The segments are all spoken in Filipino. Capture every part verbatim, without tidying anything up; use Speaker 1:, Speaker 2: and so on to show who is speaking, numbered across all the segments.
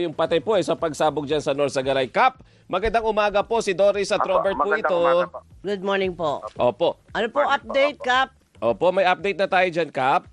Speaker 1: Yung patay po eh, sa pagsabog dyan sa North Sagaray. Kap, magandang umaga po. Si Doris at
Speaker 2: Apo,
Speaker 1: Robert po
Speaker 2: magandang
Speaker 1: ito.
Speaker 2: umaga po.
Speaker 3: Good morning po.
Speaker 1: Opo.
Speaker 3: Ano po
Speaker 2: Morning po,
Speaker 3: update,
Speaker 2: opo.
Speaker 3: Kap?
Speaker 1: Opo, may update na tayo dyan, Kap.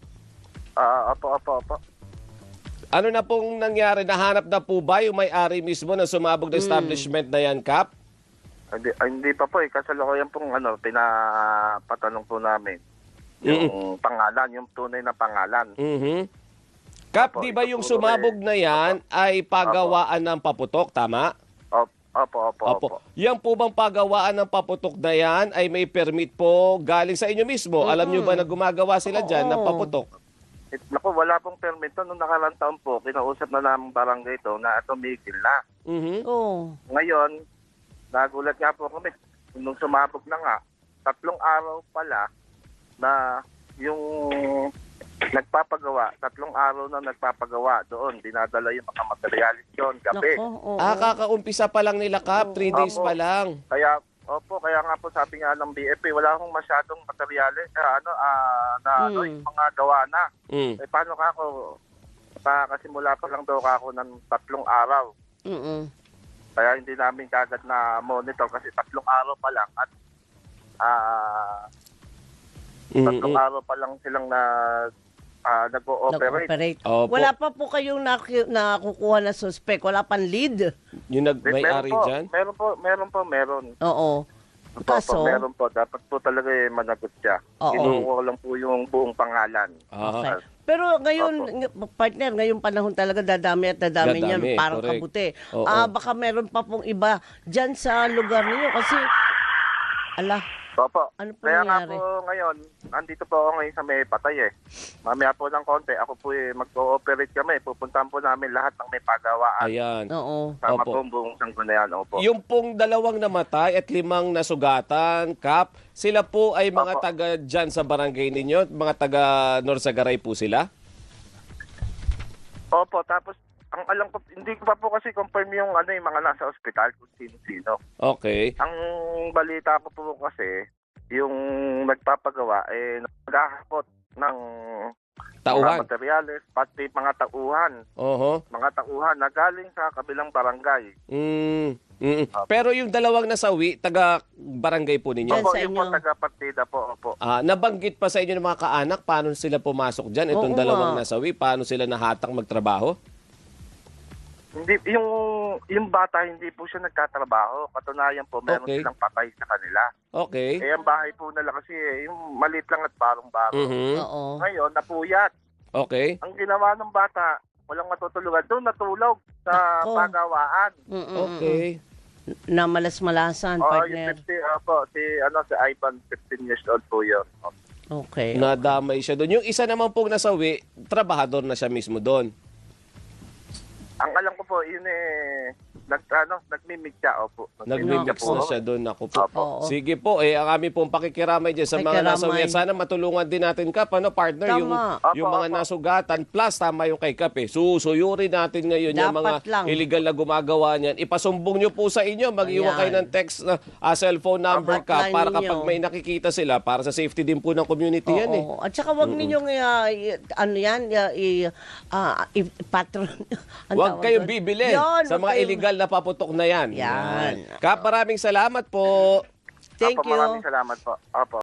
Speaker 2: Ah, opo, opo, opo.
Speaker 1: Ano na pong nangyari? Nahanap na po ba yung may-ari mismo ng sumabog na establishment na yan, Kap?
Speaker 2: Hindi, ah, hindi pa po eh. Kasalukuyan pong ano, pinapatanong po namin. Yung pangalan, yung tunay na pangalan.
Speaker 1: Mhm. Kap,
Speaker 2: Opo,
Speaker 1: di ba
Speaker 2: ito
Speaker 1: yung
Speaker 2: po,
Speaker 1: sumabog
Speaker 2: eh.
Speaker 1: na yan ay pagawaan ng paputok, tama?
Speaker 2: Opo, opo, opo.
Speaker 1: Opo. Yan po bang pagawaan ng paputok na yan ay may permit po galing sa inyo mismo? Alam nyo ba na gumagawa sila dyan ng
Speaker 3: Oo.
Speaker 1: paputok?
Speaker 2: It, naku, wala pong permit to. Nung nakarang taon po, kinausap na namin barangay to na tumigil na.
Speaker 1: Mhm.
Speaker 3: Oo.
Speaker 2: Ngayon, nagulat nga po kami. Nung sumabog na nga, tatlong araw pala na yung nagpapagawa, tatlong araw na nagpapagawa doon, dinadala yung mga materialis doon, gabi.
Speaker 3: Nako, oo.
Speaker 1: Ah, kakaumpisa pa lang nila, Kap. Three days
Speaker 2: Opo.
Speaker 1: pa lang.
Speaker 2: Kaya, opo, kaya nga po sabi nga ng B F P, wala akong masyadong materialis, eh, ano, ah, na ano,
Speaker 3: Mm.
Speaker 2: yung mga gawa na.
Speaker 1: Mm.
Speaker 2: Eh, paano ka ako, pa, kasi mula pa lang daw ako ng tatlong araw.
Speaker 3: Mm-mm.
Speaker 2: Kaya hindi namin kagad na monitor kasi tatlong araw pa lang at ah, tatlong
Speaker 1: Mm-mm.
Speaker 2: araw pa lang silang na ah, nag-ooperate.
Speaker 3: Nag-operate.
Speaker 1: Opo.
Speaker 3: Wala pa po kayong naku- nakukuha na suspect. Wala pang lead.
Speaker 1: Yung nag-may-ari
Speaker 2: po,
Speaker 1: dyan?
Speaker 2: meron po, meron po, meron.
Speaker 3: Oo.
Speaker 2: Opo,
Speaker 3: Kaso,
Speaker 2: meron po. Dapat po talaga eh, managot siya.
Speaker 3: Oo.
Speaker 2: Kinuha lang po yung buong pangalan.
Speaker 1: Ah.
Speaker 3: okay. Pero ngayon, ng- partner, ngayong panahon talaga dadami at dadami,
Speaker 1: Dadami,
Speaker 3: niyan. Parang
Speaker 1: correct.
Speaker 3: kabuti.
Speaker 1: Oo.
Speaker 3: Ah, baka meron pa pong iba dyan sa lugar ninyo kasi, ala,
Speaker 2: Opo.
Speaker 3: Ano po
Speaker 2: Kaya nga
Speaker 3: nangyari?
Speaker 2: po ngayon, andito po ako ngayon sa may patay eh. Mamaya po ng konti, ako po eh, mag-ooperate kami. Pupuntahan po namin lahat ng may pagawaan.
Speaker 1: Ayan.
Speaker 3: oo.
Speaker 2: Sama
Speaker 1: Opo.
Speaker 2: po ang buong sanggunian. Opo.
Speaker 1: Yung pong dalawang namatay at limang nasugatan, Kap, sila po ay mga
Speaker 2: Opo.
Speaker 1: taga dyan sa barangay ninyo? Mga taga North Sagaray po sila?
Speaker 2: Opo, tapos ang alam ko, hindi ko pa po kasi confirm yung ano yung mga nasa ospital kung sino-sino.
Speaker 1: Okay.
Speaker 2: Ang balita ko po kasi, yung nagpapagawa, eh, naghahakot ng
Speaker 1: Tauhan.
Speaker 2: mga materyales, pati mga tauhan.
Speaker 1: Oho.
Speaker 2: Mga tauhan na galing sa kabilang barangay.
Speaker 1: Mm. Mm.
Speaker 2: Opo.
Speaker 1: Pero yung dalawang nasawi, taga barangay po ninyo?
Speaker 3: Yan
Speaker 2: Opo,
Speaker 3: sa
Speaker 2: yung po
Speaker 3: inyo.
Speaker 2: taga-partida po, opo.
Speaker 1: Ah, nabanggit pa sa inyo ng mga kaanak paano sila pumasok dyan? Itong
Speaker 3: Oo
Speaker 1: dalawang
Speaker 3: nga.
Speaker 1: nasawi, paano sila nahatang magtrabaho?
Speaker 2: Hindi, yung, yung bata hindi po siya nagtatrabaho. Katunayan po, meron
Speaker 1: Okay.
Speaker 2: silang patay sa kanila.
Speaker 1: Okay.
Speaker 2: Eh, ang bahay po nila kasi, eh, yung maliit lang at barong-baro.
Speaker 1: Mhm.
Speaker 3: Oo.
Speaker 2: Ngayon, napuyat.
Speaker 1: Okay.
Speaker 2: Ang ginawa ng bata, walang matutulugan. Doon natulog sa
Speaker 3: Nako.
Speaker 2: pagawaan.
Speaker 3: Mm-mm.
Speaker 1: Okay.
Speaker 3: Na malas-malasan,
Speaker 2: Oo, yung
Speaker 3: partner.
Speaker 2: fifty, opo, si, ano, si Ivan, fifteen years old po yun.
Speaker 3: Okay.
Speaker 1: Nadamay siya doon. Yung isa naman pong nasawi, trabahador na siya mismo doon.
Speaker 2: Ang alam ko po, yun eh, nag, ano, nagmimig siya, opo.
Speaker 1: Nagmimix
Speaker 3: Nako.
Speaker 1: na siya doon. Ako po.
Speaker 2: Opo.
Speaker 3: Oo.
Speaker 1: Sige po, eh, ang aming pong pakikiramay dyan sa mga
Speaker 3: Pakikiramay.
Speaker 1: nasawi. At sana matulungan din natin, Kap, ano, partner,
Speaker 3: Tama.
Speaker 1: yung, yung
Speaker 2: Opo,
Speaker 1: mga
Speaker 2: opo.
Speaker 1: nasugatan. Plus, tama yung kay Kap, eh. Susuyurin natin ngayon yung
Speaker 3: Dapat
Speaker 1: mga
Speaker 3: lang.
Speaker 1: illegal na gumagawa niyan. Ipasumbong nyo po sa inyo. Mag-iwan
Speaker 3: Ayan.
Speaker 1: kayo ng text na ah, cellphone number, Kap,
Speaker 3: Hotline
Speaker 1: para
Speaker 3: ninyo.
Speaker 1: kapag may nakikita sila, para sa safety din po ng community yan, eh.
Speaker 3: Oo. At saka wag ninyong uh, i- ano yan, uh, i, ah, i- patron. Ang
Speaker 1: Huwag
Speaker 3: tawag
Speaker 1: kayong
Speaker 3: doon.
Speaker 1: bibili
Speaker 3: Yun,
Speaker 1: sa
Speaker 3: wag
Speaker 1: mga
Speaker 3: kayong-
Speaker 1: illegal na paputok na yan.
Speaker 3: Yan.
Speaker 1: Kap, maraming salamat po.
Speaker 3: Thank
Speaker 2: Opo,
Speaker 3: you.
Speaker 2: maraming salamat po. Opo.